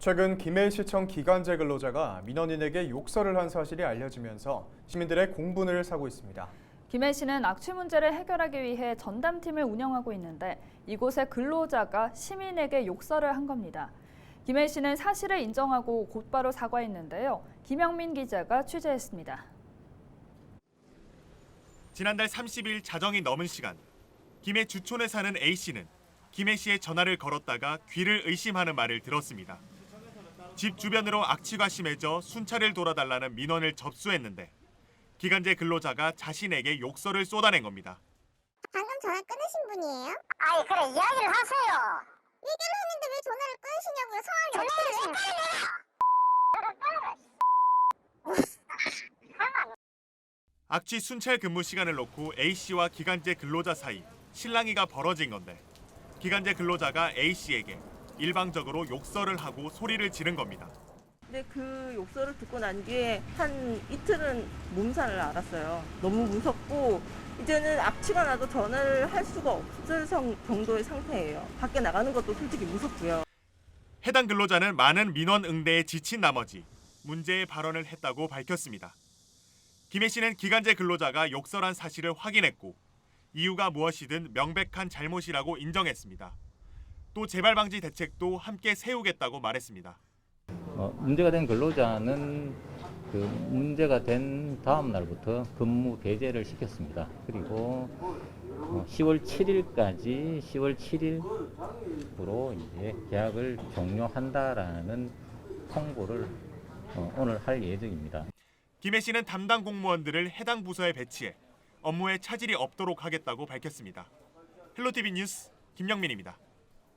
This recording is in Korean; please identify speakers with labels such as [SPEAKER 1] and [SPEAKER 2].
[SPEAKER 1] 최근 김해시청 기간제 근로자가 민원인에게 욕설을 한 사실이 알려지면서 시민들의 공분을 사고 있습니다.
[SPEAKER 2] 김해시는 악취 문제를 해결하기 위해 전담팀을 운영하고 있는데 이곳의 근로자가 시민에게 욕설을 한 겁니다. 김해시는 사실을 인정하고 곧바로 사과했는데요. 김영민 기자가 취재했습니다.
[SPEAKER 3] 지난달 30일 자정이 넘은 시간, 김해 주촌에 사는 A씨는 김해시에 전화를 걸었다가 귀를 의심하는 말을 들었습니다. 집 주변으로 악취가 심해져 순찰을 돌아달라는 민원을 접수했는데 기간제 근로자가 자신에게 욕설을 쏟아낸 겁니다.
[SPEAKER 4] 방금 전화 끊으신 분이에요?
[SPEAKER 5] 아이 그래 이야기를 하세요.
[SPEAKER 4] 얘기를 했는데 왜 전화를 끊으시냐고요? 상황이 어떻게 되시나요?
[SPEAKER 3] 악취 순찰 근무 시간을 놓고 A씨와 기간제 근로자 사이 실랑이가 벌어진 건데 기간제 근로자가 A씨에게 일방적으로 욕설을 하고 소리를 지른 겁니다.
[SPEAKER 6] 근데 그 욕설을 듣고 난 뒤에 한 이틀은 몸살을 앓았어요. 너무 무섭고 이제는 악취가 나도 전화를 할 수가 없을 정도의 상태예요. 밖에 나가는 것도 솔직히 무섭고요.
[SPEAKER 3] 해당 근로자는 많은 민원 응대에 지친 나머지 문제의 발언을 했다고 밝혔습니다. 김해시는 기간제 근로자가 욕설한 사실을 확인했고 이유가 무엇이든 명백한 잘못이라고 인정했습니다. 또 재발 방지 대책도 함께 세우겠다고 말했습니다.
[SPEAKER 7] 문제가 된 근로자는 그 문제가 된 다음 날부터 근무 배제를 시켰습니다. 그리고 10월 7일까지 10월 7일부로 이제 계약을 종료한다라는 통보를 오늘 할 예정입니다.
[SPEAKER 3] 김해시는 담당 공무원들을 해당 부서에 배치해 업무에 차질이 없도록 하겠다고 밝혔습니다. 헬로티비 뉴스 김영민입니다.